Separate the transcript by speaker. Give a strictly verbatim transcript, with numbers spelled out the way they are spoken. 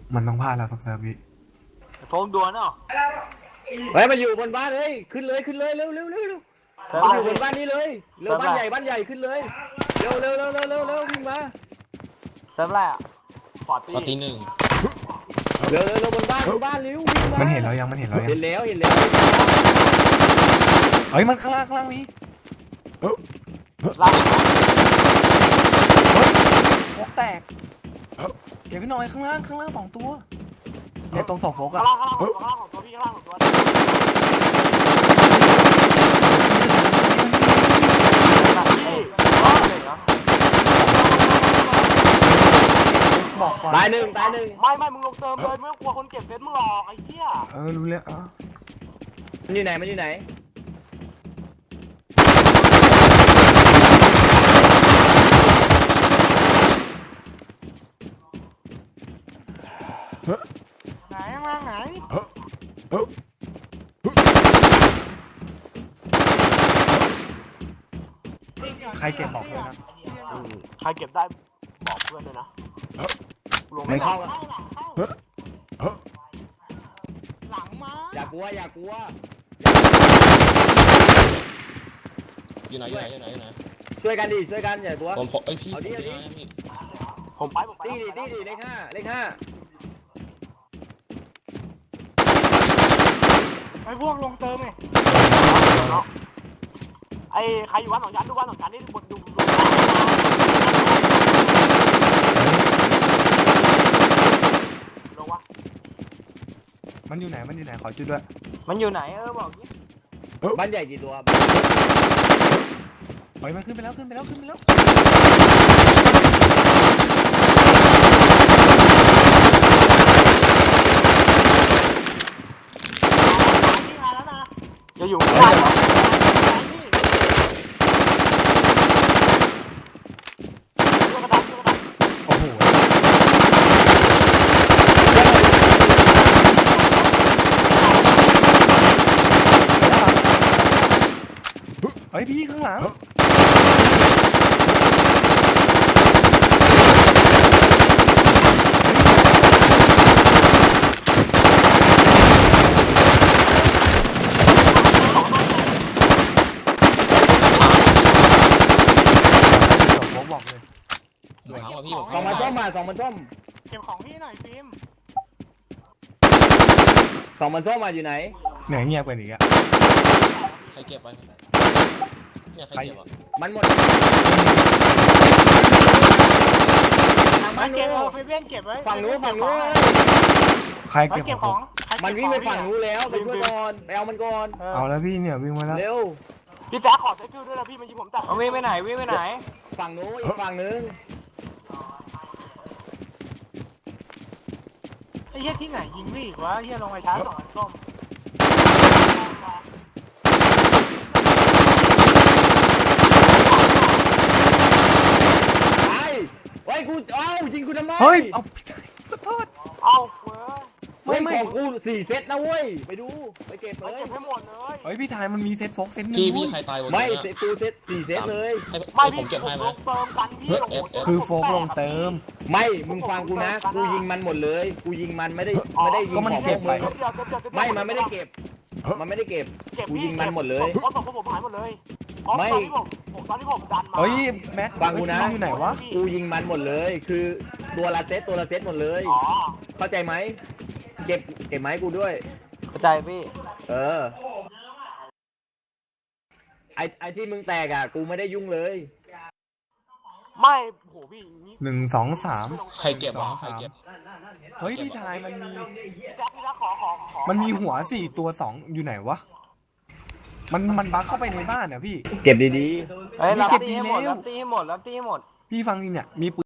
Speaker 1: มันต้องพลาดแล้วสักเซิร์ฟพี่
Speaker 2: โฟมดวนเนาะ
Speaker 3: เฮ้ยมันอยู่บนบ้านเลยขึ้นเลยขึ้นเลยเร็วเร็วเร็วเร็วมันอยู่บนบ้านนี้เลยเร็วบ้านใหญ่บ้านใหญ่ขึ้นเลยเร็วเร็วเร็วเร็วเร็วเร็ววิ่งมา
Speaker 2: เซิร์ฟแรกฟอร์ตี้
Speaker 4: ฟอร์ตี้หนึ่ง
Speaker 3: เร็วเร็วเร็วบนบ้านบนบ้านเร็ววิ่งมา
Speaker 1: มันเห็นแล้วยังมันเห็นแล้วยัง
Speaker 3: เห็นแล้วเห็นแล้ว
Speaker 1: เฮ้ยมันข้างล่างข้างล่างมี
Speaker 2: ล่าง
Speaker 1: โฟกแตกเก็บพี่หน่อยข้างล่างข้างล่างสองตัวเนี่ยตรงสองโฟกอะ
Speaker 2: ข้างล่างข้างล่างข้างล่างของตัวพี่ข้างล่างของตัว
Speaker 1: บอกก่อน
Speaker 3: ตายหนึ่งตายหนึ่ง
Speaker 2: ไม่ไม่มึงลงเติมเลยไม่ต้องกลัวคนเก็บเซตมึงหรอกไอ้เหี้ย
Speaker 1: เออรู้แล้วอ่ะ
Speaker 3: มันอยู่ไหนมันอยู่ไหน
Speaker 2: ไหนข้างล่างไหน
Speaker 1: ใครเก็บบอกเลยนะ
Speaker 2: ใครเก็บได้บอกเพื่อนเลยนะ
Speaker 3: ไม่เข้า
Speaker 2: หลังมา
Speaker 3: อย่ากลัวอย่ากลัว
Speaker 4: อยู่ไหนอยู่ไหนอยู่ไหนอยู่ไหน
Speaker 3: ช่วยกันดิช่วยกันอย่ากลัว
Speaker 4: ผมผมไอพี่
Speaker 3: เอาดิเอาดิ
Speaker 2: ผมไปผมไป
Speaker 3: ตีดิตีดิเลขห้าเลขห้า
Speaker 2: ไอ้พวกลงเติมไงไอ้ใครอยู่วันสองชั้นดูวันสองชั้นนี่บดดูลงวะ
Speaker 1: มันอยู่ไหนมันอยู่ไหนขอจุดด้วย
Speaker 2: มันอยู่ไหนเออบอกนี้
Speaker 3: บ้านใหญ่กี่ตัว
Speaker 1: เฮ้ยมันขึ้นไปแล้วขึ้นไปแล้วขึ้นไปแล้ว
Speaker 2: จะอยู่ไม่ได้เหรอ
Speaker 1: โอ้โหเฮ้ยพี่ข้างหลังบอกเลย
Speaker 4: อยู่ข้างว่าพี่ผม
Speaker 3: สองมันส้มมาสองมันส้ม
Speaker 2: เก็บของพี่หน่อยฟิล์ม
Speaker 3: สองมันส้มมาอยู่ไหน
Speaker 1: เหนื่อยเงียบไปอีกอะ
Speaker 4: ใครเก็บไปเนี่ยใครเก็บอ่ะ
Speaker 3: มันหมด
Speaker 2: มันเก็บเอาฟิล์มเก็บไว้
Speaker 3: ฝั่งนู้นฝั่งนู้น
Speaker 1: ใครเก็บของ
Speaker 3: มันวิ่งไปฝั่งนู้นแล้วไปช่วยก่อนไปเอามันก่อน
Speaker 1: เอาแล้วพี่เนี่ยวิ่งมาแล้ว
Speaker 3: เร็ว
Speaker 2: พี่แจ๊คขอใช้ชื่อด้วยนะพี่มันยิงผมจับวิ่งไปไหนวิ่งไปไหน
Speaker 3: ฝั่งนู้นอีกฝั่งนึง
Speaker 2: ไอ้เหี้ยที่ไหนยิงพี่วะเหี้ยลงไปช้าสองส้ม
Speaker 3: ไอ้ไว้กูเอ้าจริงกูทำไม
Speaker 1: เฮ้ยเอาขอโทษ
Speaker 2: เอาเว้ย
Speaker 3: ไม่ไม่ของกูสี่เซตนะเว้ยไปดูไปเก็บเลย
Speaker 2: เก็บให้หมดเลย
Speaker 1: เฮ้ยพี่ทายมันมีเซตโฟกเซตหนึ่ง
Speaker 4: พี่พี่ใครตายบน
Speaker 3: ไม่เซตกูเซตสี่เซตเลย
Speaker 4: ไม่ผมเก็บให้ไหม
Speaker 2: เติมกันพี่
Speaker 1: คือโฟกลงเติม
Speaker 3: ไม่มึงฟังกูนะกูยิงมันหมดเลยกูยิงมันไม่ได้ไม่ได้ยิงของพวกมึงไม่มันไม่ได้เก็บมันไม่ได้เก็บกูยิงมันหมดเลย
Speaker 2: เพราะผมผมหายหมดเลยไม่ผมตอนที่ผมดันมา
Speaker 1: เฮ้ยแม็ก
Speaker 3: ฟังกูนะ
Speaker 1: อยู่ไหนวะ
Speaker 3: กูยิงมันหมดเลยคือตัวละเซตตัวละเซตหมดเลยเข้าใจไหมเก็บเก็บไม้กูด้วย
Speaker 2: เข้าใจพี่
Speaker 3: เออไอไอที่มึงแตกอ่ะกูไม่ได้ยุ่งเลย
Speaker 2: ไม่โหพี่
Speaker 1: หนึ่งสองสาม
Speaker 4: ใครเก็บวะใครเก็บ
Speaker 1: เฮ้ยพี่ทายมันมีมันมีหัวสี่ตัวสองอยู่ไหนวะมันมันบั๊กเข้าไปในบ้านอ่ะพี่
Speaker 3: เก็บดี
Speaker 2: ๆเฮ้ยรับตีให้หมดรับตีให้หมดรับตีให้หมด
Speaker 1: พี่ฟังนี่เนี่ยมี